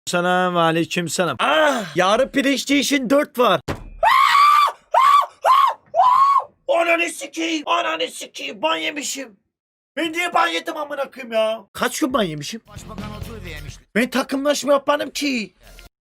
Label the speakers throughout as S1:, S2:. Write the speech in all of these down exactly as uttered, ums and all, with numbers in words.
S1: Selam aleyküm selam. Ah, yarın PlayStation dört var. Ananı sikeyim. Ananı sikeyim. Ban yemişim. Ben niye ban yedim amına koyayım ya? Kaç gün ban yemişim?
S2: Başbakan otur diyemişti.
S1: Ben takımlaşma yapmadım ki.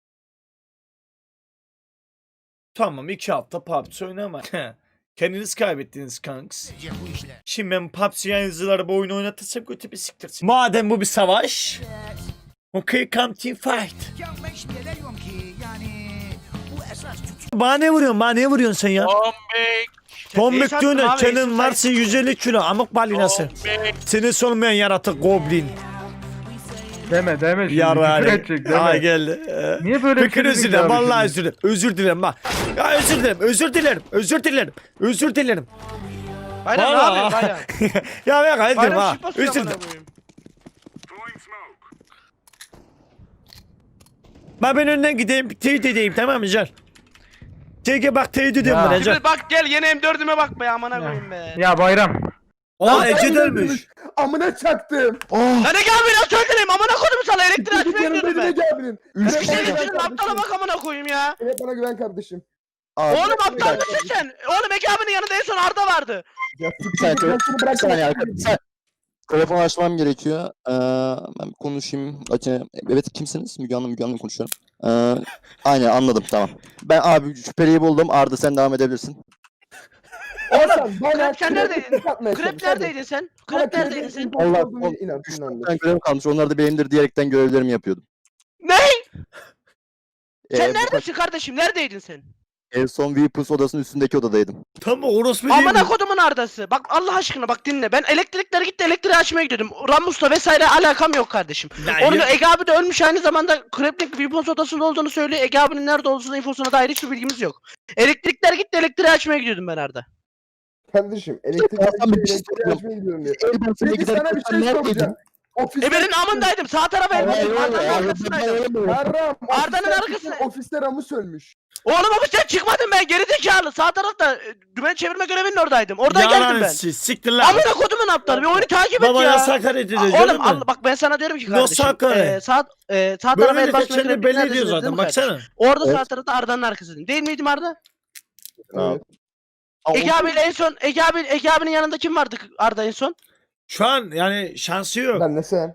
S1: Tamam, iki hafta P U B G oynama. Kendiniz kaybettiniz kanks.
S2: Bence bu işler.
S1: Şimdi ben P U B G yayıncılara bu oyunu oynatırsam kötü bir siktirsin. Madem bu bir savaş. Okay, come team fight.
S2: Ya ben şimdi diyorum ki yani bu esas Türk.
S1: Bana ne vuruyorsun? Bana ne vuruyorsun sen ya? Tombik diyor ne? Senin varsın yüz elli kilo amık balinası. Seni sormayan yaratık goblin.
S3: Deme deme şimdi
S1: Yara
S3: küfür
S1: hani.
S3: edecek
S1: Ay
S3: deme.
S1: geldi. Ee,
S3: Niye böyle bir
S1: Fikir
S3: şey
S1: özür
S3: dedin
S1: dilerim.
S3: abi
S1: Vallahi
S3: şimdi?
S1: özür dilerim. Özür dilerim bak. Ya özür dilerim. Özür dilerim. Özür dilerim. Özür dilerim.
S4: Bayram ne
S1: Vallahi.
S4: yapıyorsun Bayram?
S1: Ya ben hayır diyorum
S4: Bayram
S1: ha.
S4: şıp basıyor
S1: Özür
S4: amına
S1: dilerim.
S4: koyayım.
S1: Ben ben önden gideyim. Teyit edeyim tamam mı Can? Teyge bak teyit ediyorum
S3: Ya.
S1: bana Can.
S4: Şimdi bak gel yeni M dördüme bak be amına koyayım be.
S3: Ya Bayram.
S1: Aa Ece dönmüş.
S5: Amına çaktım.
S4: Lan ne abi ya söyleyeyim amına koydum sana elektrik açmaya
S5: Yanımda
S4: gidiyordum ben.
S5: Ege abinin.
S4: Üç
S5: Evet,
S4: kişi
S5: bana güven
S4: getirdin aptala
S5: kardeşim.
S4: bak amına koyayım ya.
S5: Evet bana güven kardeşim.
S4: Oğlum aptal mısın sen? Oğlum Ege abinin yanında en son Arda vardı.
S5: Ya,
S6: Bir saniye,
S5: ben seni
S6: bir
S5: bırakmam.
S6: saniye arkadaşlar. Bir saniye. Telefon açmam gerekiyor. Ee, ben bir konuşayım. Açayım. Evet kimsiniz? Müge Hanım, Müge Hanım konuşuyorum. Ee, aynen anladım tamam. Ben abi şüpheliyi buldum. Arda sen devam edebilirsin.
S5: Hasan, bana
S4: Krep sen neredeydin?
S5: krep atmaya
S4: Krep
S5: çalış, hadi.
S4: neredeydin sen?
S5: Bana
S4: Krep
S5: krep
S4: neredeydin sen?
S5: imposter
S6: Allah-
S5: olduğunu
S6: Allah-
S5: inan,
S6: Üç
S5: inandır.
S6: tane görev kalmış. Onlar da benimdir diyerekten görevlerimi yapıyordum.
S4: Ne? Sen
S6: Ee, bu
S4: neredesin kardeşim? Neredeydin sen?
S6: En son Weapons odasının üstündeki odadaydım.
S1: Tam orospu değil
S4: Amına
S1: mi?
S4: kodumun Arda'sı. Bak Allah aşkına bak dinle. Ben elektrikler gitti elektriği açmaya gidiyordum. Ramus'la vesaire alakam yok kardeşim.
S1: Ya,
S4: Orada
S1: ya-
S4: Ege abi de ölmüş aynı zamanda Kreplik Weapons odasında olduğunu söylüyor. Ege abinin nerede olduğunu infosuna dair hiçbir bilgimiz yok. Elektrikler gitti elektriği açmaya gidiyordum ben Arda.
S5: Kardeşim elektrik
S6: Hasan bir şey
S5: elektriği
S6: soracağım.
S5: açmaya gidiyorum diyor.
S6: El basına
S5: Peki sana bir şey soracağım. Ofiste
S4: E benim amındaydım. Sağ tarafa elbette Arda'nın arkasındaydım.
S5: Yarram.
S4: Arda'nın
S5: ofiste-
S4: arkasına-
S5: Ofiste Ramus ölmüş.
S4: Oğlum abi sen çıkmadın ben geri zekalı. Sağ tarafta e, dümen çevirme görevinin oradaydım. Oradan geldim
S1: Yalan
S4: ben.
S1: siz, siktir lan.
S4: Amına kodumun aptal bir oyunu takip et
S1: Baba
S4: ya.
S1: yasak hareket ediyor.
S4: Oğlum
S1: Oğlum
S4: al, bak ben sana diyorum ki kardeşim.
S1: Nasıl hakaret?
S4: E, sağ e, sağ tarafa
S1: Böyle
S4: el
S1: de
S4: basma
S1: kendini
S4: görevinin
S1: belli
S4: neredesin
S1: ediyor
S4: dedim
S1: zaten
S4: kardeşim.
S1: baksana.
S4: Orada
S6: Evet.
S4: sağ tarafta Arda'nın arkasındayım. Değil miydim Arda?
S5: Evet.
S4: Ege abiyle en son Ege abi Ege abinin yanında kim vardı Arda en son?
S1: Şu an yani şansı yok.
S5: Ben de sen.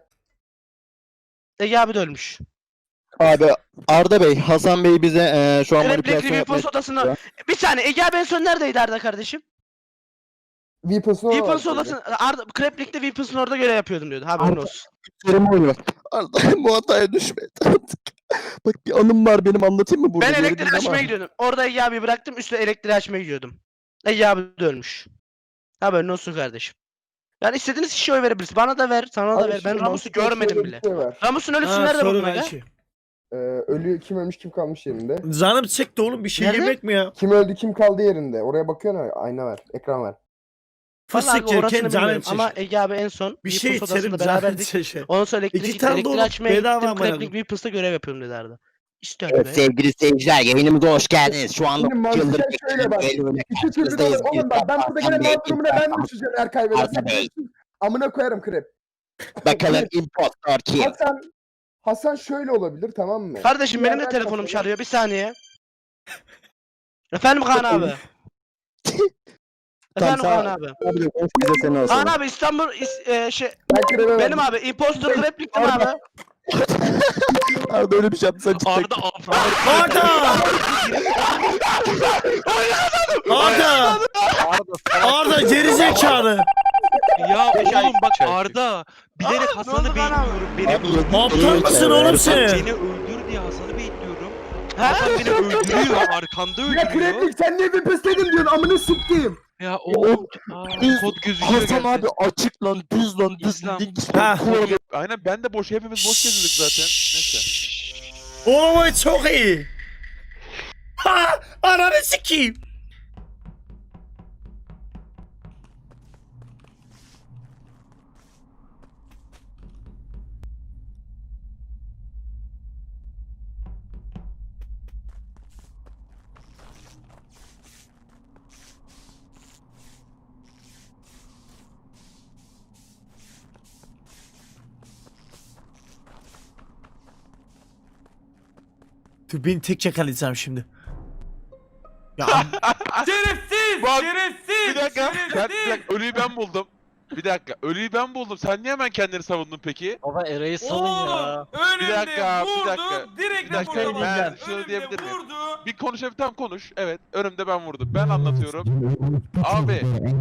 S4: Ege abi de ölmüş.
S6: Abi Arda Bey, Hasan Bey bize eee şu an
S4: Kreplik
S6: manipülasyon yapmaya
S4: Weapons odasına.
S6: Ya.
S4: Bir saniye Ege abi en son neredeydi Arda kardeşim?
S5: Weapons'un
S4: Weapons odasına Arda Kreplik'te Weapons'un orada görev yapıyordum diyordu. Haberin
S6: Arda-
S4: olsun.
S6: Üzerime oynuyor. Arda bu hataya düşme artık. Bak bir anım var benim anlatayım mı burada?
S4: Ben
S6: Bir yere
S4: elektriği
S6: değil
S4: açmaya
S6: ama.
S4: gidiyordum. Orada Ege abi bıraktım üstüne elektriği açmaya gidiyordum. Ege abi de ölmüş. Haberin olsun kardeşim. Yani istediğiniz kişiye oy verebilirsiniz. Bana da ver, sana da ver. Ben Ramus'u görmedim bile.
S5: Şey var.
S4: Ramus'un ölüsü
S1: Ha,
S4: nerede
S1: soru
S4: buldun Ege?
S1: belki.
S5: Ee, ölü kim ölmüş kim kalmış yerinde.
S1: Canım çekti oğlum, bir şey
S4: Nerede?
S1: yemek mi ya?
S5: Kim öldü kim kaldı yerinde. Oraya bakıyorsun ha, ayna var. Ekran var.
S4: Vallahi
S1: Fıstık
S4: orasını
S1: yerken canım
S4: bilmiyorum ama
S1: çekti.
S4: Ege abi en son
S1: Bir şey
S4: Weapons
S1: içerim
S4: odasında
S1: canım
S4: beraberdik.
S1: çekti.
S4: Ondan sonra elektrik
S1: İki
S4: gitti.
S1: tane
S4: Elektriği
S1: dolu
S4: açmaya
S1: bedava
S4: gittim.
S1: amına
S4: Kreplik
S1: koyayım.
S4: Weapons'ta görev yapıyorum dedi Arda. İşte öyle
S6: Evet
S4: be.
S6: sevgili seyirciler yayınımıza hoş geldiniz. Şu anda
S5: Şimdi mantıken
S6: yıldır
S5: şöyle bak.
S6: bekliyorum.
S5: İki türlü de olur. Oğlum bak ben burada gene mağdurumuna ben düşeceğim eğer kaybedersem.
S6: Arda Bey.
S5: Amına koyarım krep.
S6: Bakalım impostor kim?
S5: Hasan Hasan şöyle olabilir tamam mı?
S4: Kardeşim
S5: Bir
S4: benim de
S5: yerden
S4: telefonum
S5: kapatıyor.
S4: çalıyor. Bir saniye. Efendim Kaan abi. Efendim
S6: Tamam,
S4: Kaan abi.
S6: Abi de konuş bize seni olsun.
S4: Kaan abi İstanbul is- e, şey
S5: Ben krebe
S4: benim abi impostor Kreplik'tim abi.
S6: Arda öyle bir şey yaptı sen çık.
S7: Arda
S1: Arda! Arda! Arda gerizekalı.
S7: ya oğlum bak
S3: Çay.
S7: Arda bilerek
S4: Aa, ne
S7: Hasan'ı
S4: oldu lan abi?
S7: bekliyorum. Beni
S6: Abi,
S7: öldür.
S1: Aptal mısın oğlum
S7: Bak,
S1: sen?
S7: Beni öldür diye Hasan'ı bekliyorum.
S4: He?
S7: Hasan beni öldürüyor. Arkanda
S5: Ya
S7: öldürüyor.
S5: kreplik sen niye bir pıslaydın diyorsun amını siktiğim.
S7: Ya oğlum. Aa,
S6: Düz-
S7: kod gözüküyor
S6: Hasan
S7: gerçekten.
S6: abi açık lan düz lan düz.
S7: İslam.
S1: Ha.
S8: Aynen ben de boş hepimiz boş geziyorduk zaten. Neyse.
S1: Oo çok iyi. Ha! Ananı sikeyim. Dur beni tek yakalayacağım şimdi. Ya
S3: Şerefsiz!
S8: Bak,
S3: Şerefsiz!
S8: Bir dakika. Ben, bir
S3: Şerefsiz!
S8: dakika. Ölüyü ben buldum. Bir dakika. Ölüyü ben buldum. Sen niye hemen kendini savundun peki?
S9: Baba Eray'ı salın
S3: Oğlum
S9: ya.
S3: önümde
S8: Bir dakika, bir
S3: vurdu,
S8: dakika.
S3: direkt
S8: Bir dakika,
S3: raporlama.
S8: ben şunu
S3: Önümde
S8: diyebilir miyim?
S3: vurdu.
S8: Bir konuş tam konuş. Evet. Önümde ben vurdum. Ben anlatıyorum. Abi.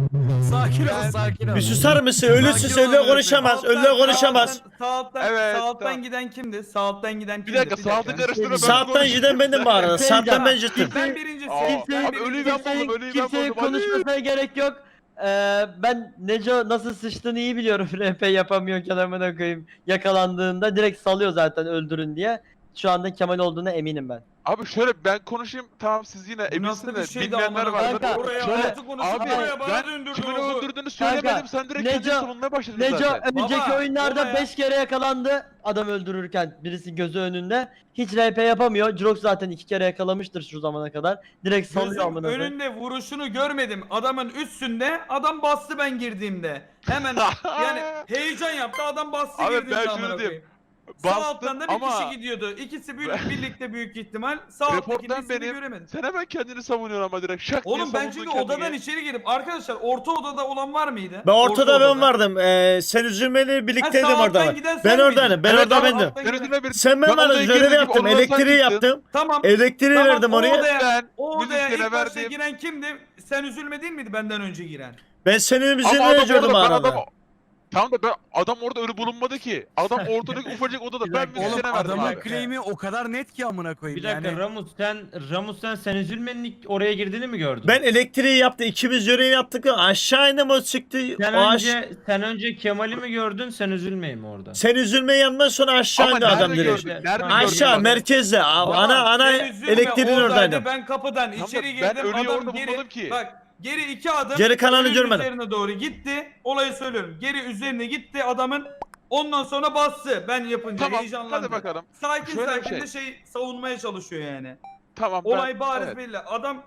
S3: Sakin
S8: Ben-
S3: ol, sakin ol.
S1: bir susar mısın? Ölüsün
S3: Sakin ol
S1: öyle
S3: öğretmenim.
S1: konuşamaz.
S3: Sağ
S1: Öyle
S3: alttan-
S1: konuşamaz.
S3: Sağ alttan,
S8: Evet,
S3: sağ alttan
S8: tamam.
S3: giden kimdi? Sağ alttan giden kimdi?
S8: Bir dakika. Saati karıştırma. ben
S1: Saatten
S8: konuşayım.
S1: giden benim bu arada.
S9: Şey
S1: Saatten ben
S9: diyeceğim.
S1: ciddim.
S3: Ben birincisi.
S8: Aa,
S3: Ben
S8: abi ölüyü ben
S9: Kimsenin,
S8: buldum. Ölüyü ben
S9: kimsenin
S8: buldum. Hadi.
S9: konuşmasına gerek yok. Ee, ben Neco nasıl sıçtığını iyi biliyorum. R P yapamıyorken amına koyayım. Yakalandığında direkt salıyor zaten öldürün diye. Şu anda Kemal olduğuna eminim ben.
S8: Abi şöyle ben konuşayım. Tamam siz yine
S3: Bu nasıl
S8: eminsiniz
S3: bir
S8: de
S3: şeydi
S8: bilmeyenler
S3: amına
S8: vardır.
S9: Kanka,
S3: Oraya
S8: şöyle-
S3: altı konuşup
S8: Abi
S3: oraya bana
S8: ben
S3: döndürdü
S8: kimin
S3: oldu.
S8: öldürdüğünü söylemedim. Sen direkt
S9: Neco-
S8: kendini savunmaya başladın
S9: Neco
S8: zaten.
S9: önceki
S3: Baba,
S9: oyunlarda
S3: olaya-
S9: beş kere yakalandı adam öldürürken birisi gözü önünde. Hiç R P yapamıyor. Jirox zaten iki kere yakalamıştır şu zamana kadar. Direkt salıyor
S3: Gözüm
S9: amına koyayım.
S3: önünde vuruşunu görmedim. Adamın üstünde adam bastı ben girdiğimde. Hemen yani heyecan yaptı adam bastı
S8: Abi ben
S3: girdiğimde
S8: şunu
S3: amına
S8: diyeyim.
S3: koyayım. Sağ
S8: Bastım
S3: alttan da bir
S8: ama
S3: kişi gidiyordu. İkisi bir, birlikte büyük ihtimal. Sağ alttakinin
S8: Reporttan
S3: ismini
S8: benim.
S3: göremedim.
S8: Sen hemen kendini savunuyorsun ama direkt şak diye
S3: Oğlum ben
S8: savundun
S3: çünkü
S8: kendini.
S3: odadan içeri girip arkadaşlar orta odada olan var mıydı?
S1: Ben ortada
S3: Orta
S1: ben
S3: odada.
S1: vardım. Ee, sen üzülmeli
S3: Ha,
S1: birlikteydim
S3: sağ
S1: orada.
S3: alttan giden
S1: Ben
S3: sen
S1: oradaydım.
S3: miydin?
S1: Ben
S8: Evet,
S1: orada
S8: ama
S1: bendim.
S3: alttan
S8: Sen
S3: giden-
S8: üzülme bir.
S1: Sen ben
S8: Ben
S1: bana
S8: odaya
S1: görevi
S8: girdim,
S1: yaptım.
S8: ondan sen
S1: Elektriği
S8: gittin.
S1: yaptım.
S3: Tamam.
S1: Elektriği
S3: Tamam,
S1: verdim
S3: o
S1: oraya.
S3: odaya,
S8: Ben
S3: o
S8: yüz
S3: odaya
S8: kere
S3: ilk başta
S8: verdim.
S3: giren kimdi? Sen üzülme değil miydi benden önce giren?
S1: Ben senin
S8: Ama
S1: üzerine
S8: adam
S1: gördüm
S8: orada, ben
S1: arada.
S8: adam... Tamam da ben, adam orada ölü bulunmadı ki. Adam ortadaki ufacık odada ben müzisyene verdim abi.
S2: claim'i o kadar net ki amına koyayım
S10: Bir dakika
S2: yani.
S10: Ramus sen Ramus sen sen üzülmenin ilk oraya girdiğini mi gördün?
S1: Ben elektriği yaptım. İkimiz görevi yaptık. Aşağı indim o çıktı.
S10: sen
S1: O aş-
S10: önce sen önce Kemal'i mi gördün sen üzülmeyi mi orada?
S1: Sen üzülmeyi yandan sonra aşağı
S8: Ama
S1: indi adam
S8: nerede
S1: direkt.
S8: gördün? Nerede
S1: Aşağı
S8: gördün?
S1: merkezde. A-
S3: Baba,
S1: Ana ana
S3: sen üzülme,
S1: elektriğin
S3: oradaydı,
S1: oradaydım.
S3: Ben kapıdan
S8: Tamam da
S3: içeri
S8: ben
S3: girdim.
S8: ölüyü
S3: Adam
S8: orada
S3: geri
S8: bulmadım ki.
S3: bak geri iki adım.
S1: Geri kalanı
S3: ölünün
S1: görmedim.
S3: Üzerine doğru gitti. Olayı söylüyorum. Geri üzerine gitti adamın. Ondan sonra bastı. Ben yapınca
S8: Tamam
S3: heyecanlandı.
S8: hadi bakalım.
S3: Sakin
S8: Şöyle bir
S3: sakin
S8: şey.
S3: de şey savunmaya çalışıyor yani.
S8: Tamam ben...
S3: Olay bariz
S8: evet.
S3: belli. Adam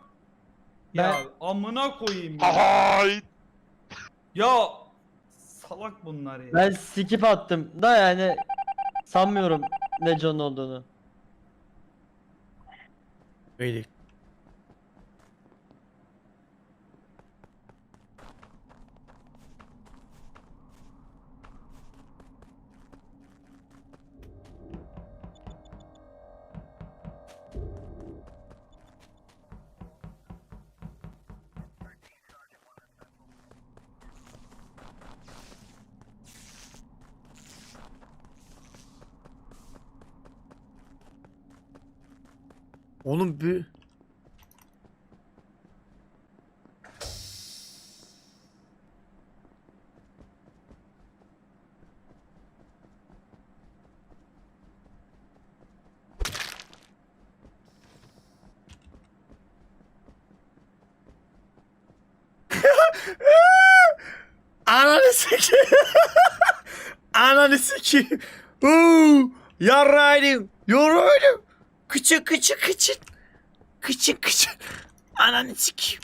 S3: ya amına koyayım ya.
S8: Hay.
S3: Ya salak bunlar ya.
S9: Ben skip attım da yani sanmıyorum Neco'nun olduğunu.
S1: Öyle. Oğlum bir... Ananı sikeyim. Ananı sikeyim. Uuu. Yarraydım. Yoruyordum. Kıçı kıçı kıçı. Kıçı kıçı. Ananı sikeyim.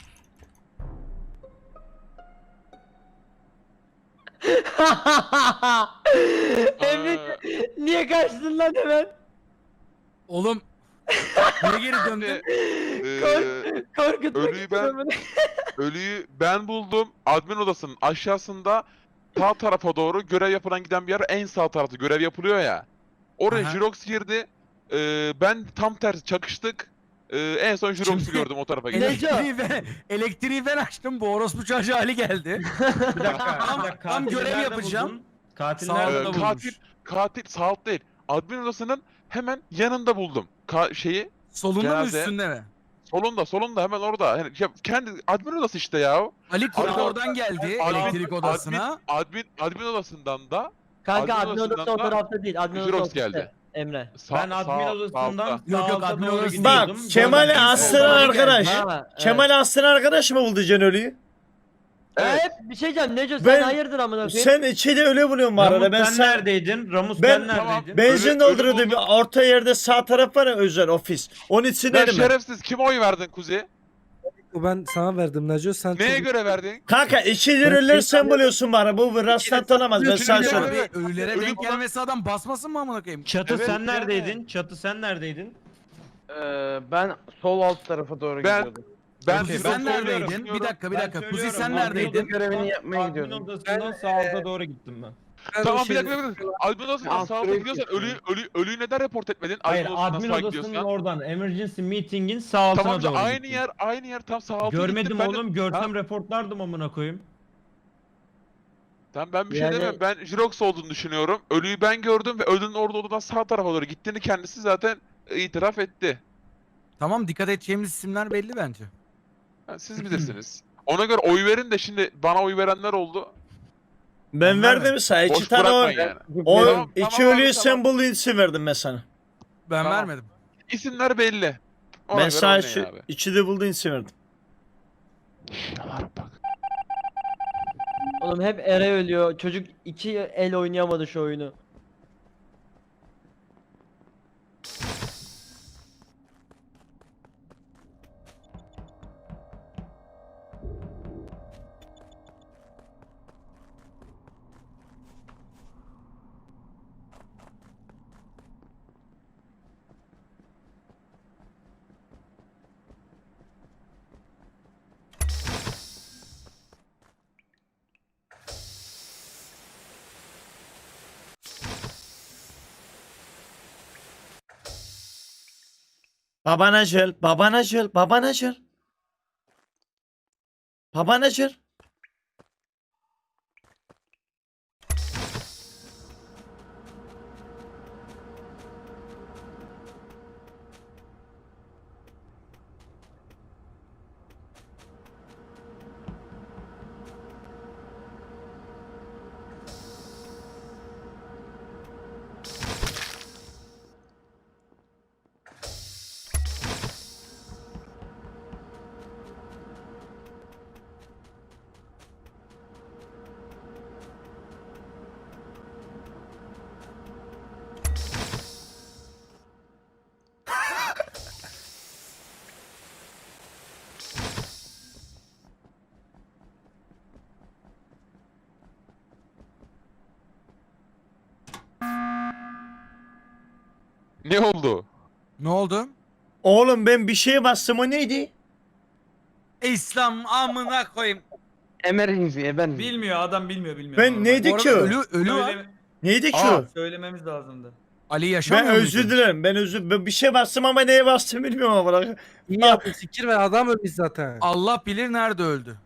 S9: Emre niye kaçtın lan hemen?
S2: Oğlum niye geri döndün?
S8: Eee,
S9: Korkutmak
S8: Ölüyü
S9: için
S8: ben-
S9: amına-
S8: ölüyü ben buldum. Admin odasının aşağısında sağ tarafa doğru görev yapılan giden bir yer en sağ tarafta görev yapılıyor ya. Oraya
S2: Aha.
S8: Jirox girdi. Eee, ben tam tersi çakıştık. Eee, en son Jirox'u
S2: Şimdi-
S8: gördüm o tarafa gitti.
S9: Neco.
S2: Elektriği ben, elektriği ben açtım. Bu orospu çocuğu Ali geldi.
S10: Bir dakika.
S2: Tam-
S10: bir dakika,
S2: tam
S10: katili
S2: görev
S10: nerede
S2: yapacağım.
S10: buldun? Katil
S2: Sağ
S10: nerede
S8: Eee,
S2: olun.
S10: buldun?
S8: katil katil sağ alt değil. Admin odasının hemen yanında buldum. Ka- şeyi
S2: Solunda mı
S8: Cenaze.
S2: üstünde mi?
S8: solunda solunda hemen orada. Yani ya kendi admin odası işte ya.
S2: Ali koridordan
S8: Admin-
S2: geldi
S8: Admin-
S2: elektrik odasına.
S8: Admin admin odasından da
S9: Kanka
S8: Admin
S9: admin odası o
S8: odasından da
S9: tarafta değil. Admin odası
S8: Jirox
S9: o tarafta.
S8: geldi.
S9: Emre.
S8: sağ,
S10: Ben admin
S8: sağ-
S10: odasından
S8: sağ-
S2: Yok, yok,
S10: sağ
S2: admin
S10: alta doğru
S2: odası
S1: Bak
S10: gidiyordum.
S1: Kemal'i
S10: Oradan
S1: astıran
S10: soldan
S1: arkadaş.
S10: geldi.
S9: Ha, evet.
S1: Kemal'i astıran arkadaş mı buldu Can ölüyü?
S8: Evet.
S9: Evet bir şey diyeceğim Neco sen
S1: Ben-
S9: hayırdır amına koyayım?
S1: Sen içeri öyle buluyorsun bu arada.
S10: Ramus
S1: Ben
S10: sen
S1: sen...
S10: neredeydin? Ramus
S1: Ben-
S10: ben,
S8: Tamam.
S10: neredeydin?
S1: Benzin
S8: Ölü-
S1: dolduruyordum.
S8: ölü
S1: Bir
S8: buldum.
S1: orta yerde sağ taraf var ya özel ofis. Onun
S8: Ben
S1: içindeydim ben.
S8: şerefsiz kime oy verdin Kuzi?
S11: Ben sana verdim Naco sen
S8: Neye
S11: çok-
S8: göre verdin?
S1: Kanka iki liraları sen buluyorsun bana. Bu bir rastlantı olamaz. Ben sana
S8: Üçüncü
S1: söyleyeyim.
S8: görevi-
S2: Ölülere
S8: Ölü
S2: denk
S8: bulan-
S2: gelmesi adam basmasın mı amına koyayım?
S10: Çatı
S8: Evet,
S10: sen
S8: yani.
S10: neredeydin? Çatı sen neredeydin?
S9: Ee, ben sol alt tarafa doğru
S8: Ben-
S9: gidiyordum.
S8: Ben
S3: Okey,
S8: Jirox
S3: sen
S8: olduğunu
S3: neredeydin?
S8: düşünüyorum.
S3: Bir dakika bir
S10: Ben
S3: dakika. Kuzey
S10: söylüyorum,
S3: sen
S10: admin
S3: neredeydin?
S10: odası-
S9: Görevini yapmaya
S10: Admin
S9: gidiyordum.
S10: odasından sağ alta doğru gittim ben.
S11: Ben
S8: Tamam
S11: o
S8: bir
S11: şey-
S8: dakika bir dakika. Admin odasından
S9: Alt
S8: sağ alta
S9: tarafı
S8: gidiyorsan
S9: geçiyorum.
S8: ölüyü, ölü, ölüyü neden report etmedin?
S10: Hayır,
S8: odasından
S10: admin
S8: sağa
S10: odasının
S8: gidiyorsan.
S10: oradan emergency meeting'in sağ altına
S8: Tamam işte
S10: doğru
S8: aynı
S10: gittim.
S8: yer aynı yer tam sağ alta
S10: Görmedim
S8: gittim. Ben de-
S10: oğlum, görsem reportlardım amına koyayım.
S8: Tamam ben bir şey
S9: Yani-
S8: demiyorum. Ben Jirox olduğunu düşünüyorum. Ölüyü ben gördüm ve ölünün orada odadan sağ tarafa doğru gittiğini kendisi zaten itiraf etti.
S3: Tamam dikkat edeceğimiz isimler belli bence.
S8: Yani siz bilirsiniz. Ona göre oy verin de şimdi bana oy verenler oldu.
S1: Ben
S3: Ben
S1: verdim sana iki
S8: Boş
S1: tane
S8: bırakmayın
S1: oy.
S8: yani.
S1: O
S8: Tamam,
S1: iki
S8: tamam abi,
S1: ölüyü
S8: tamam.
S1: sen bulduğun için verdim mesela.
S3: Ben
S8: Tamam.
S3: vermedim.
S8: İsimler belli. Ona
S1: Ben
S8: göre
S1: sana
S8: oynayın
S1: şu
S8: abi.
S1: içi de bulduğun için verdim.
S8: Bak.
S9: Oğlum hep Ere ölüyor. Çocuk iki el oynayamadı şu oyunu.
S1: Babana gel, babana gel, babana gel. Babana gel.
S8: Ne oldu?
S3: Ne oldu?
S1: Oğlum ben bir şeye bastım, o neydi?
S3: İslam amına koyayım.
S9: Emergency'ye ben.
S3: Bilmiyor adam bilmiyor bilmiyor.
S1: Ben
S3: Normal.
S1: neydi
S3: Bu
S1: ki
S3: arada
S1: o?
S3: Ölü, ölü var.
S1: Neydi ki
S3: Aa,
S1: o?
S3: söylememiz lazımdı. Ali
S1: Ben
S3: yaşamıyor
S1: özür dilerim. Ben özür ben bir şey bastım ama neye bastım bilmiyorum ama bırak.
S11: İyi yaptın sikir ve adam ölmüş zaten.
S3: Allah bilir nerede öldü.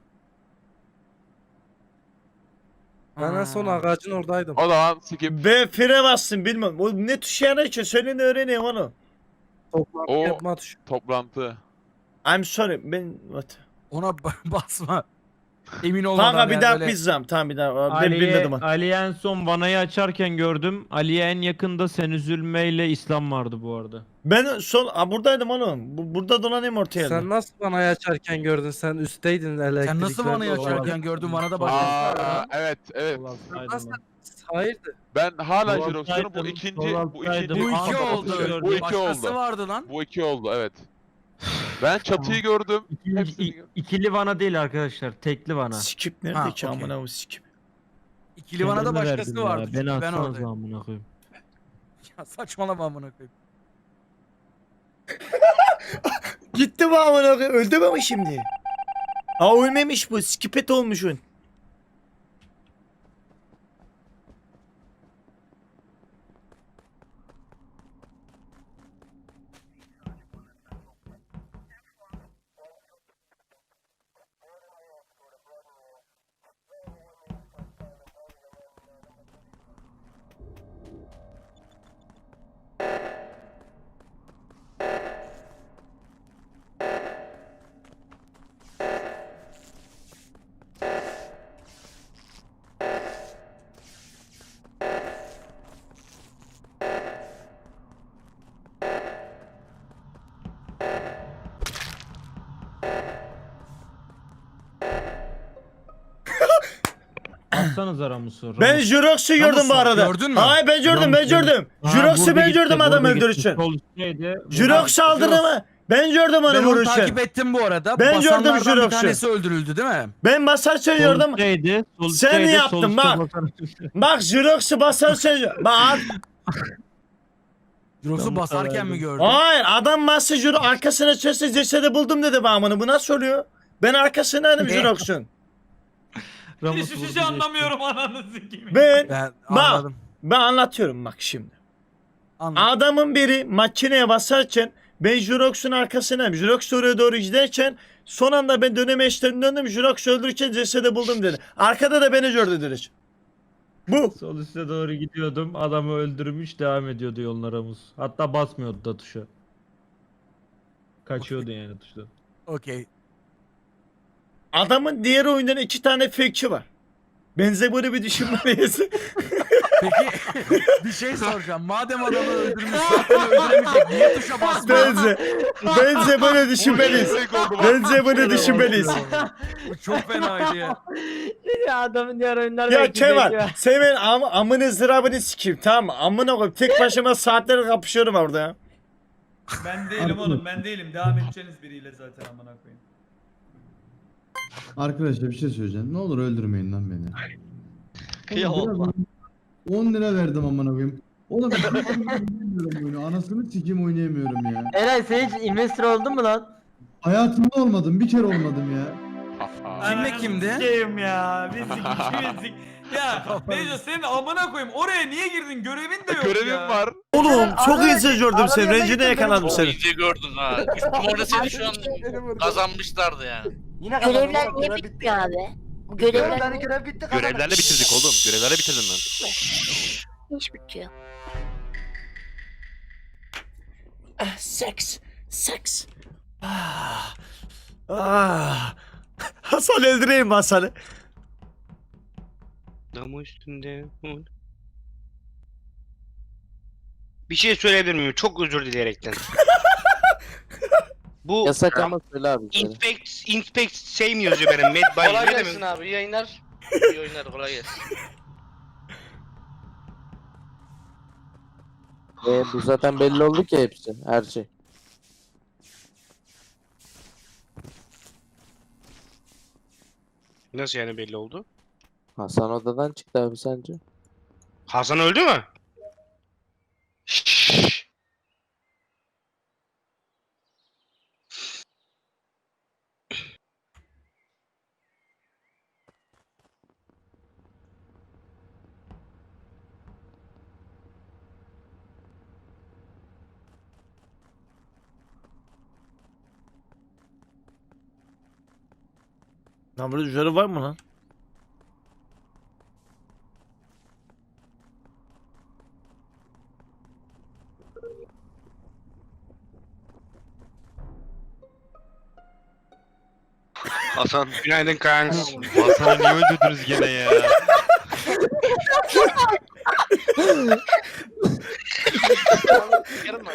S11: Ben en son ağacın oradaydım.
S8: O zaman skip.
S1: Ben fire bastım bilmiyorum. O ne tuşu yana ki? Söyleyin de öğreneyim onu.
S11: Toplantı
S8: O-
S11: yapma tuşu.
S8: Toplantı.
S1: I'm sorry. Ben what?
S3: Ona ba- basma. Emin olmadan
S1: Kanka bir
S3: yani
S1: daha
S3: böyle-
S1: pizzam. Tamam bir daha. Ben
S10: Ali'ye,
S1: bilmedim onu.
S10: Ali'ye en son vanayı açarken gördüm. Ali'ye en yakında Sen Üzülme ile İslam vardı bu arada.
S1: Ben son Aa, buradaydım oğlum. Bu, burada dolanayım ortaya.
S11: Sen nasıl bana açarken gördün? Sen üstteydin elektriklerde.
S3: Sen nasıl bana
S11: olan.
S3: yaşarken gördün bana da başka.
S8: Aa, evet evet.
S11: Nasıl? Hayırdır?
S8: Ben hala
S10: Dolaptaydım,
S8: Jirox diyorum. Bu ikinci bu
S10: dolaptaydım.
S8: ikinci
S3: Bu iki
S10: Aa,
S3: oldu.
S10: gördüm.
S8: Bu iki
S3: Başkası
S8: oldu.
S3: vardı lan.
S8: Bu iki oldu evet. Ben çatıyı gördüm.
S10: İkinci,
S8: Hepsini
S10: i-
S8: gördüm.
S10: ikili vana değil arkadaşlar. Tekli vana.
S1: Skip nerede
S3: Ha,
S1: ki
S3: okey.
S1: amına bu skip.
S3: İkili bana da
S10: Kendime
S3: başkası
S10: verdim ya,
S3: vardı.
S10: Beni
S3: çünkü ben
S10: atsanız
S3: oradayım.
S10: amına koyayım.
S3: Ya saçmalama amına koyayım.
S1: Gitti bu amına koyayım. Öldü mü bu şimdi? Ha ölmemiş bu. Skipet olmuşsun.
S10: Atsanız Ramus'u.
S1: Ben
S10: Ramus.
S1: Jurox'u gördüm bu
S3: Ramus,
S1: arada.
S3: gördün mü?
S1: Hayır ben gördüm ben
S10: Ramus,
S1: gördüm.
S10: Ha,
S1: Jurox'u
S10: burada
S1: ben
S10: gitti,
S1: gördüm adam
S10: burada gitti.
S1: öldürürken.
S10: Sol üstteydi.
S1: Jurox saldırdı mı? Ben gördüm onu
S3: Ben onu
S1: vururken.
S3: takip ettim bu arada.
S1: Ben gördüm
S3: Basanlardan
S1: Jirox'u.
S3: bir tanesi öldürüldü değil mi?
S1: Ben basarken gördüm.
S10: Sol üstteydi, sol
S1: Sen
S10: üstteydi,
S1: yaptın,
S10: sol üstte
S1: bak.
S10: basan-
S1: Bak Jurox'u basarken bak
S2: Jirox'u basarken mi gördün?
S1: Hayır adam Master Jiro arkasına çözse cesedi buldum dedi bağımını. Bu nasıl oluyor? Ben arkasındaydım Jirox'un.
S10: Ramus
S3: Hiçbir
S10: vurdu
S3: şey
S10: geçti.
S3: anlamıyorum ananızı gibi.
S1: Ben
S2: Ben
S1: Bak.
S2: anladım.
S1: ben anlatıyorum bak şimdi.
S2: Anladım.
S1: Adamın biri makineye basarken ben Jirox'un arkasındayım. Jirox oraya doğru giderken son anda ben döneme işlerini döndüm. Jirox öldürürken cesedi buldum dedi. Arkada da beni gördü direkt. Bu.
S10: Sol üste doğru gidiyordum. Adamı öldürmüş devam ediyordu yoluna Ramus. Hatta basmıyordu da tuşa. Kaçıyordu yani tuştan.
S2: Okey.
S1: Adamın diğer oyundan iki tane fake'çi var. Benze böyle bir düşünmeliyiz.
S2: Peki bir şey soracağım. Madem adamı öldürmüş zaten öldüremeyecek. Niye tuşa basmıyor?
S1: Benze. Benze böyle düşünmeliyiz. Bence bunu düşünmeliyiz.
S2: Bu çok fenaydı ya.
S9: Ya adamın diğer oyunlar
S1: Ya
S9: belki
S1: Kemal
S9: bekliyor.
S1: senin am amını zırabını sikeyim tamam mı? Amına koyayım tek başıma saatler kapışıyorum orada ya.
S3: Ben değilim oğlum ben değilim. Devam edeceğiniz biriyle zaten amına koyayım.
S5: Arkadaşlar bir şey söyleyeceğim. Ne olur öldürmeyin lan beni.
S7: Kıyamam.
S5: on lira verdim amına koyayım. Oğlum ben oynayamıyorum oyunu. Anasını sikeyim oynayamıyorum ya.
S9: Eray sen hiç investor oldun mu lan?
S5: Hayatımda olmadım. Bir kere olmadım ya.
S2: Kimle kimdi?
S3: Sikeyim ya. Biz ikimiz Ya Neco senin amına koyayım. Oraya niye girdin? Görevin de yok
S8: Görevim
S3: ya.
S8: var.
S1: Oğlum çok iyi gördüm seni. Rencide yakaladım seni.
S12: İyice gördün ha. Üstüm orada seni şu an kazanmışlardı yani.
S9: Yine
S13: Görevler niye bitmiyor abi? Görevler niye
S9: görev bitti.
S7: Görevlerle bitirdik oğlum. Görevlerle bitirdim ben.
S13: iş bitiyor?
S1: Ah, seks. Seks. Ah. Ah. Hasan öldüreyim mi Hasan'ı?
S4: Damı üstünde. Bir şey söyleyebilir miyim? Çok özür dileyerekten. Bu
S6: Yasak ama söyle abi. söyle.
S4: inspect inspect şey mi yazıyor benim? Med by
S12: Kolay
S4: ne
S12: gelsin
S4: demek?
S12: abi. İyi yayınlar. İyi oyunlar kolay gelsin.
S6: E, bu zaten belli oldu ki hepsi. Her şey.
S4: Nasıl yani belli oldu?
S6: Hasan odadan çıktı abi sence?
S4: Hasan öldü mü? Şşş.
S1: Lan burada üzeri var mı lan?
S4: Hasan günaydın Kaan.
S7: Hasan'ı niye öldürdünüz gene ya?
S12: Yarın mı?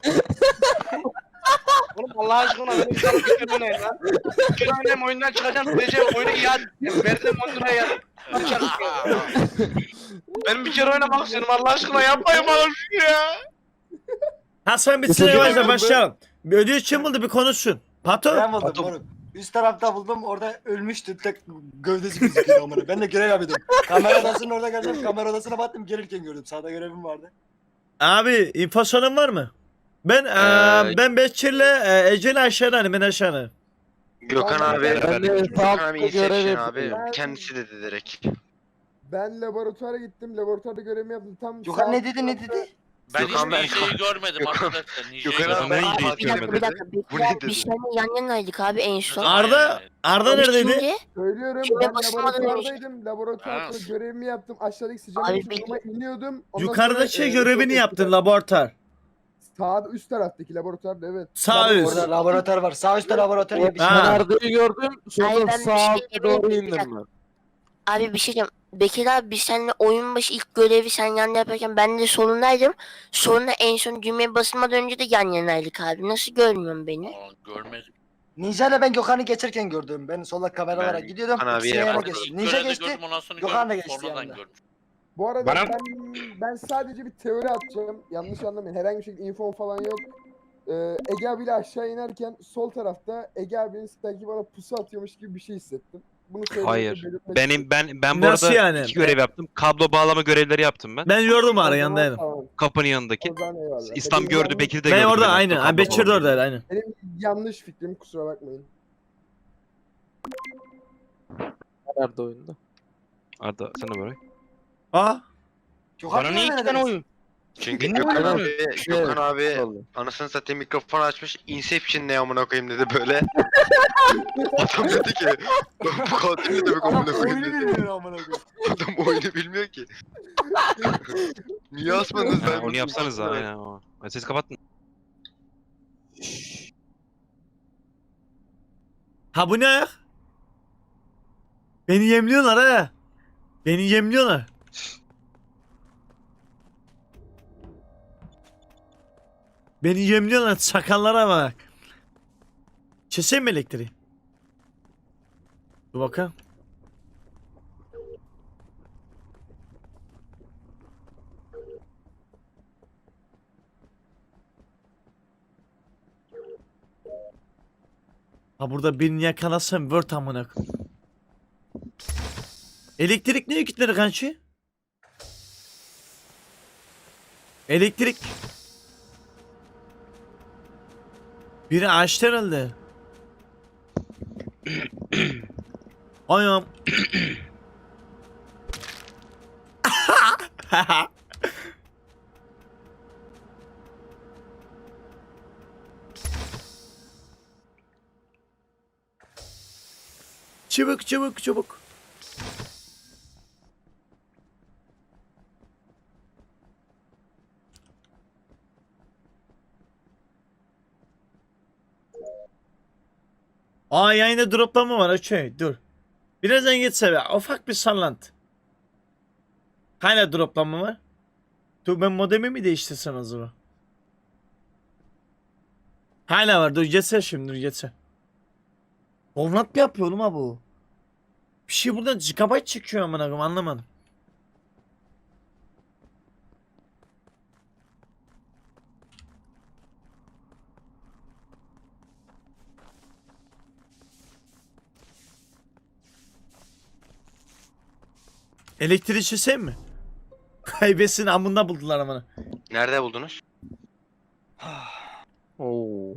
S12: Oğlum Allah aşkına benim canım bir kere oynayın lan. Bir kere oynayayım oyundan çıkacağım sileceğim oyunu iade edeceğim. Verdim on liraya ya. Benim bir kere oynamak istiyorum Allah aşkına yapmayın bana şunu ya.
S1: Hasan bir sıra yavaşla başlayalım. Bir ödül kim buldu bir konuşsun. Patron.
S9: Ben buldum moruk. Üst tarafta buldum orada ölmüştü tek gövdesi gözüküyordu amına. Ben de görev yapıyordum. Kamera odasının orada geldim kamera odasına baktım gelirken gördüm. Sağda görevim vardı.
S1: Abi infosyonun var mı? Ben
S7: Ee,
S1: eee ben Bekir'le e, Ece'yle aşağıdayım ben aşağıdayım.
S6: Gökhan abi. Ben de
S5: Gökhan
S6: abi görev yapıyorum.
S7: Kendisi dedi direkt.
S5: Ben laboratuvara gittim. Laboratuvarda görevimi yaptım. Tam
S9: Gökhan ne dedi ne dedi?
S12: Ben
S7: Gökhan
S12: hiçbir
S7: ben-
S12: şeyi görmedim arkadaşlar. Nije'yi
S7: Gökhan abi,
S12: görmedim.
S7: ben
S12: Ama-
S7: hiç
S13: Bir dakika bir dakika.
S7: Bu
S13: Bir
S7: ne
S13: dakika.
S7: dedi?
S13: Biz seninle yan yanaydık abi en son.
S1: Arda Arda
S13: Abi
S1: neredeydi?
S13: şimdi
S5: Söylüyorum
S13: Kime
S5: ben
S13: basamadan önce-
S5: laboratuvardaydım. Laboratuvarda
S12: Ha.
S5: görevimi yaptım. Aşağıdaki sıcak
S13: Abi
S5: oturuma iniyordum. Ondan
S1: Yukarıdaki
S5: sonra, e,
S1: görevini yaptın laboratuvar.
S5: Sağ üst taraftaki laboratuvarda evet.
S1: Sağ üst.
S9: Orada laboratuvar var. Sağ üstte laboratuvar gibi bir şey.
S1: Ha.
S9: var.
S6: Arda'yı gördüm.
S13: Hayır,
S6: Sonra
S13: ben bir
S6: sağ
S13: şey
S6: alta doğru
S13: diyebilirim.
S6: indim ben.
S13: abi bir şey diyeceğim. Bekir abi biz seninle oyun başı ilk görevi sen yan yaparken ben de solundaydım. Sonra en son düğmeye basılmadan önce de yan yanaydık abi. Nasıl görmüyorsun beni?
S12: Aa, görmedim.
S9: Ninja ile ben Gökhan'ı geçerken gördüm. Ben solda kameralara
S7: Ben
S9: gidiyordum.
S7: Gökhan abiye
S9: İkisine yana
S7: yapmadım.
S9: geçtim.
S12: İlk
S9: Ninja
S12: görevde
S9: geçti.
S12: gördüm, ondan sonra
S9: Gökhan da
S12: gördüm,
S9: geçti
S12: sonradan
S9: yanında.
S12: gördüm.
S5: Bu arada
S4: Bana-
S5: ben ben sadece bir teori atacağım. Yanlış anlamayın. Herhangi bir şekilde info falan yok. Ee, Ege abiyle aşağı inerken sol tarafta Ege abinin sanki bana pusu atıyormuş gibi bir şey hissettim.
S12: Bunu
S7: Hayır.
S12: belirtmek
S7: Benim ben ben bu
S1: Nasıl
S7: arada
S1: yani?
S7: iki görev yaptım. Kablo bağlama görevleri yaptım ben.
S1: Ben gördüm ara
S12: O zaman
S1: yanındaydım.
S12: tamam,
S7: Kapının yanındaki.
S12: o zaman eyvallah.
S7: İslam
S12: Benim
S7: gördü,
S12: yanlış-
S7: Bekir de
S1: Ben
S7: gördü.
S1: orada
S7: beni
S1: aynı.
S7: hatta
S1: Ha,
S7: kablo
S1: Bekir de
S7: bağlamayı.
S1: oradaydı aynı.
S12: Benim yanlış fikrim, kusura bakmayın.
S11: Nerede oyunda?
S7: Arda sen de böyle.
S1: Aa.
S4: Bana niye iki tane oyun?
S12: Çünkü
S11: Gökhan
S12: Gökhan
S11: abi-
S12: abi,
S11: Şey,
S12: Gökhan abi
S11: oldu.
S12: anasını satayım mikrofon açmış. Inception ne amına koyayım dedi böyle. Adam dedi ki bu katil ne demek amına koyayım dedi. Adam oyunu bilmiyor ki. Niye asmadınız
S7: Ha,
S12: ben?
S7: onu yapsanız da aynen o. Ben sesi kapattın.
S1: Ha bu ne? Beni yemliyorlar ha. Beni yemliyorlar. Beni yemliyorlar, sakallara bak. Keseyim mi elektriği? Dur bakalım. Ha burada birini yakalasam word amına koyayım. Elektrik ne yükleri kanki? Elektrik. Biri açtı herhalde. Ayağım. Çabuk çabuk çabuk. Aa yayında droplama var okey dur. Birazdan geçse be ufak bir sallantı. Hala droplama var. Dur ben modemi mi değiştirsem acaba? Hala var dur geçse şimdi dur geçse. Ovnat mı yapıyor oğlum ha bu? Bir şey buradan gigabyte çıkıyor amına koyayım anlamadım. Elektrikçi sen mi? Kaybetsin amında buldular amına.
S12: Nerede buldunuz?
S11: Oo.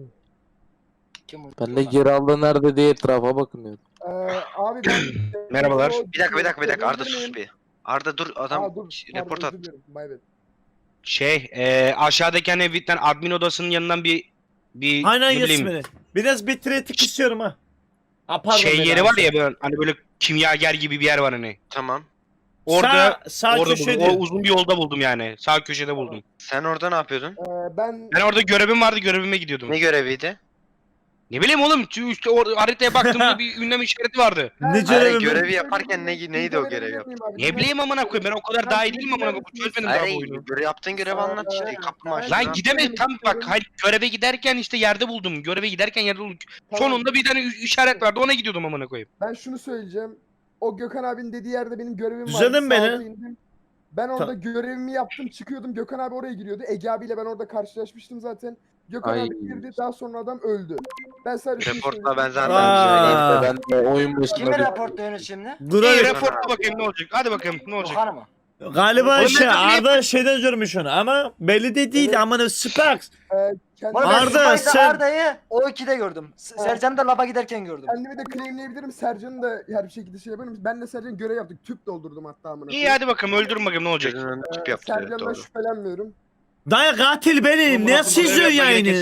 S11: Ben de geri aldı nerede diye etrafa bakınıyordum.
S12: Ee, abi ben...
S4: Merhabalar.
S12: Bir dakika bir dakika bir dakika Arda sus bir. Arda dur adam
S11: Aa, dur,
S12: report
S11: pardon,
S12: at.
S11: özür dilerim.
S4: Şey, e, aşağıdaki hani evitten admin odasının yanından bir bir
S1: Aynen
S4: ne bileyim,
S1: Yasmin'e. Biraz bitrate'ik istiyorum ha. Ha pardon.
S4: şey
S1: beni
S4: yeri var
S1: alsın.
S4: ya böyle hani böyle kimyager gibi bir yer var hani.
S12: Tamam.
S4: Orada
S1: sağ, sağ
S4: orada
S1: köşede.
S4: buldum. O uzun bir yolda buldum yani. Sağ köşede buldum.
S12: Sen orada ne yapıyordun?
S11: ben
S4: Ben orada görevim vardı, görevime gidiyordum.
S12: Ne göreviydi?
S4: Ne bileyim oğlum, şu işte or haritaya baktığımda bir ünlem işareti vardı.
S1: Ne
S12: Hayır,
S1: görevi mi?
S12: görevi yaparken ne, neydi o görev yaptın?
S4: Ne bileyim amına koyayım, ben o kadar daha iyi değilim amına koyayım. Çözmedim daha bu
S12: Hayır,
S4: oyunu.
S12: görev yaptığın görevi anlat işte. Kapımı açtın.
S4: Lan gidemedim tam bak, hayır göreve giderken işte yerde buldum. Göreve giderken yerde buldum. Sonunda bir tane ü- işaret vardı, ona gidiyordum amına koyayım.
S11: Ben şunu söyleyeceğim. O Gökhan abinin dediği yerde benim görevim vardı.
S1: Düzeldin beni.
S11: Saate indim. Ben orada görevimi yaptım, çıkıyordum. Gökhan abi oraya giriyordu. Ege abiyle ben orada karşılaşmıştım zaten. Gökhan
S6: Ay.
S11: abi girdi, daha sonra adam öldü. Ben sadece şunu
S12: Reportla ben
S11: söyleyeyim.
S12: zaten
S1: Aa.
S6: Ben de oyun başında
S9: Kimi
S6: bir...
S9: raporluyorsunuz şimdi?
S1: Dur
S4: İyi
S1: abi.
S4: raporla bakayım ne olacak. Hadi bakayım ne olacak.
S9: Yohan mı?
S1: Galiba
S4: Oğlum
S1: şey
S4: ben de
S1: Arda şeyden görmüş onu ama belli de değildi
S11: Evet.
S1: amına Sparks.
S11: Ee, kendi-
S9: Oğlum ben
S1: Arda,
S9: Spice'da
S1: sen-
S9: Arda'yı o ikide gördüm. S-
S11: Ha.
S9: Sercan'ı da laba giderken gördüm.
S11: Kendimi de claimleyebilirim. Sercan'ı da her bir şekilde şey yaparım. Ben de Sercan görev yaptık. Tüp doldurdum hatta amına.
S4: İyi hadi bakalım, öldürün bakayım ne olacak.
S12: Gözünün önünde tüp
S11: Ee,
S12: yaptı. evet,
S11: Sercan'dan
S12: doğru.
S11: şüphelenmiyorum.
S1: Dayı katil benim. Ne yazıyor yayını?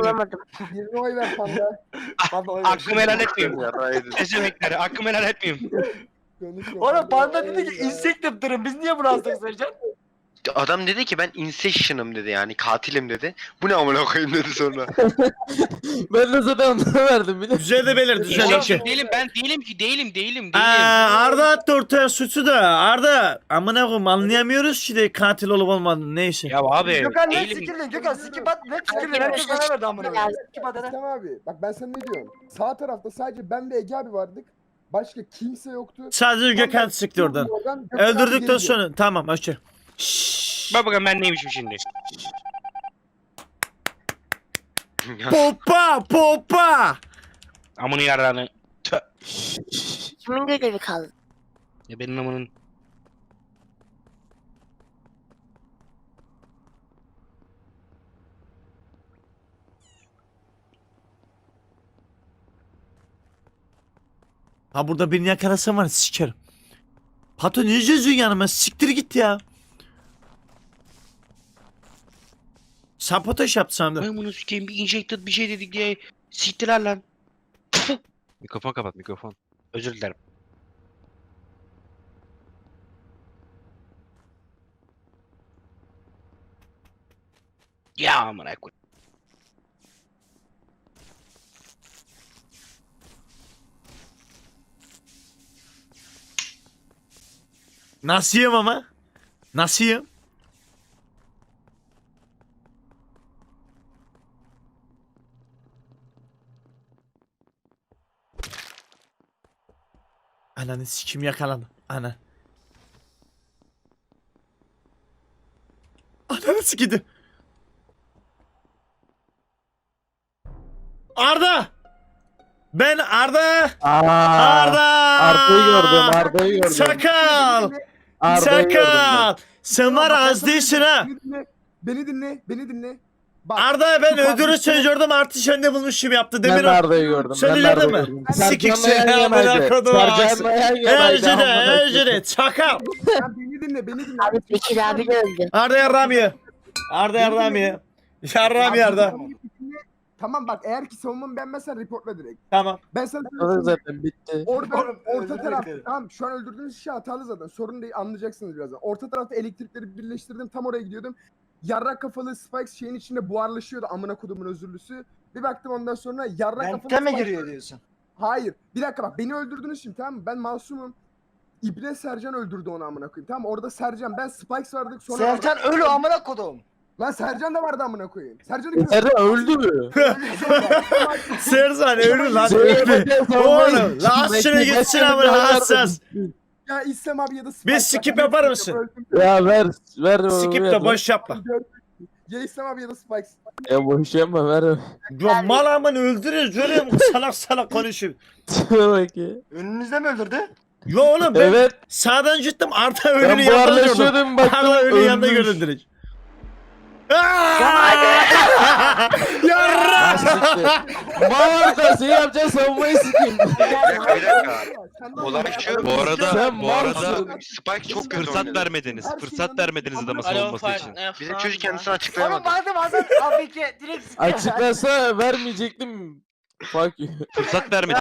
S11: Birine oy ver panda.
S9: Panda oy
S4: Hakkımı helal etmeyeyim.
S12: Yaraydı.
S4: Seçenekleri hakkımı helal etmeyeyim.
S11: Konuşma.
S9: Oğlum Panda dedi ki insect durun. Biz niye bunu aldık Sercan?
S12: Adam dedi ki ben Inception'ım dedi yani katilim dedi. Bu ne amına koyayım dedi sonra.
S11: Ben de zaten onu verdim bile.
S1: Güzel de belirtti
S4: Oğlum,
S1: güzel şey.
S4: değilim ben değilim ki değilim değilim
S1: Aa,
S4: değilim.
S1: Arda attı ortaya suçu da. Arda amına koyayım anlayamıyoruz ki de katil olup olmadığını neyse.
S4: Ya abi
S9: Gökhan ne
S4: değilim.
S9: sikirdin? Gökhan sikip at ne sikirdin? Herkes bana verdi amına koyayım. Sikip at hadi.
S11: İslam abi bak ben sana ne diyorum. Sağ tarafta sadece ben ve Ege abi vardık. Başka kimse yoktu.
S1: Sadece Gökhan sıktı oradan.
S11: Gökhan abi
S1: Öldürdükten
S11: geri
S1: sonra tamam okey.
S4: Bak bakalım ben neymişim şimdi.
S1: Popa popa.
S4: Amını yararını. Tö.
S13: kimin görevi kaldı?
S4: Ya benim amanın.
S1: Ha burada birini yakalasam var ya, sikerim. Pato ne geziyorsun yanıma? Siktir git ya. Sabotaj yaptı sandım.
S4: Ben bunu sikeyim bir injected bir şey dedik diye siktiler lan.
S7: Mikrofon kapat mikrofon.
S4: Özür dilerim. Ya amına koy.
S1: Nasılım ama? Nasılım? Ananı sikim yakalandı. Ana. Ananı sikidi. Arda! Ben Arda! Arda!
S6: Arda'yı gördüm, Arda'yı gördüm.
S1: Sakal!
S6: Arda'yı gördüm
S1: Sakal! Sen var ya, az değilsin ha.
S11: Beni dinle, beni dinle, beni dinle. Bak,
S1: Arda ben
S11: şu
S1: ödülü
S11: kardeşine-
S1: sen gördüm artı sen de bulmuş gibi yaptı.
S6: Ben
S1: Demir
S6: de Arda'yı gördüm.
S1: Sen
S6: ben
S1: de
S6: de Arda'yı
S1: gördün mü?
S6: gördüm.
S1: Sikik
S6: Sercan'la
S1: seni
S6: yan
S1: amına
S6: yanaydı.
S1: kodum
S6: Sercan'la yan yanaydı.
S1: Ecede,
S6: amına
S1: Ecede,
S6: koyayım.
S1: Çakal.
S11: Sen beni dinle, beni dinle.
S13: Abi Bekir abi de öldü.
S1: Arda yarramiye. Arda yarramiye. Yarramiye Arda.
S11: Tamam bak, eğer ki savunmamı beğenmezsen reportla direkt.
S1: Tamam.
S11: Ben sana
S6: Orada zaten bitti.
S11: orada orta
S1: özür
S11: taraf
S1: dilerim.
S11: tamam, şu an öldürdüğünüz kişi hatalı zaten, sorun değil, anlayacaksınız birazdan. Orta tarafta elektrikleri birleştirdim, tam oraya gidiyordum. Yarrak kafalı Spikes şeyin içinde buharlaşıyordu, amına kodumun özürlüsü. Bir baktım ondan sonra yarrak kafalı
S9: Vente mi
S11: Spikes-
S9: giriyor diyorsun?
S11: Hayır. Bir dakika bak, beni öldürdünüz şimdi, tamam mı? Ben masumum. İbne Sercan öldürdü onu, amına koyayım. Tamam mı? Orada Sercan, ben Spikes vardık sonra...
S9: Sercan ölü amına kodum.
S11: Lan Sercan da vardı, amına koyayım. Sercan'ı
S6: Sercan öldü mü?
S1: Sersan ölü lan
S6: Söyle
S1: ölü.
S6: bakayım, savunmayı
S1: Oğlum
S6: sikeyim.
S1: lastine
S6: Bekle,
S1: gitsin
S6: bekle,
S1: amına
S6: bekle,
S1: hassas.
S11: Ya İslam abi ya da
S1: Bir
S11: Spikes.
S1: skip
S11: Bak,
S1: yapar
S11: ben
S1: mısın?
S11: öldüm.
S6: Ya ver, ver.
S1: Skip
S6: ver.
S1: de boş yapma.
S11: Ya İslam abi ya da Spikes.
S6: Ya boş yapma ver.
S1: Ya mal aman öldürüyoruz öyle mi? Salak salak konuşuyor.
S6: Dur bakayım.
S9: Önünüzde mi öldürdü?
S1: Yo oğlum ben
S6: Evet.
S1: sağdan gittim Arda ölünün
S6: Ben
S1: yanında gördüm.
S6: buharlaşıyordum baktım.
S1: Arda ölünün yanında
S6: ölmüş.
S1: gördüm direkt. Yarra!
S6: Mal arkası yapacağız savunmayı sikeyim.
S12: Bir dakika bir dakika.
S11: Sen de
S12: Olay
S11: anla.
S12: şu.
S7: Bu arada
S6: Sen
S7: bu arada
S6: malsın.
S12: Spike çok kötü
S7: fırsat
S12: oynadı.
S7: vermediniz.
S11: Her
S7: Fırsat
S11: şeyden-
S7: vermediniz adama savunması için.
S12: Bizim çocuk kendisini
S9: Oğlum
S12: açıklayamadı.
S9: baktım adam abi ki direkt
S6: Açıklasa vermeyecektim. Fuck you.
S7: Fırsat vermediniz.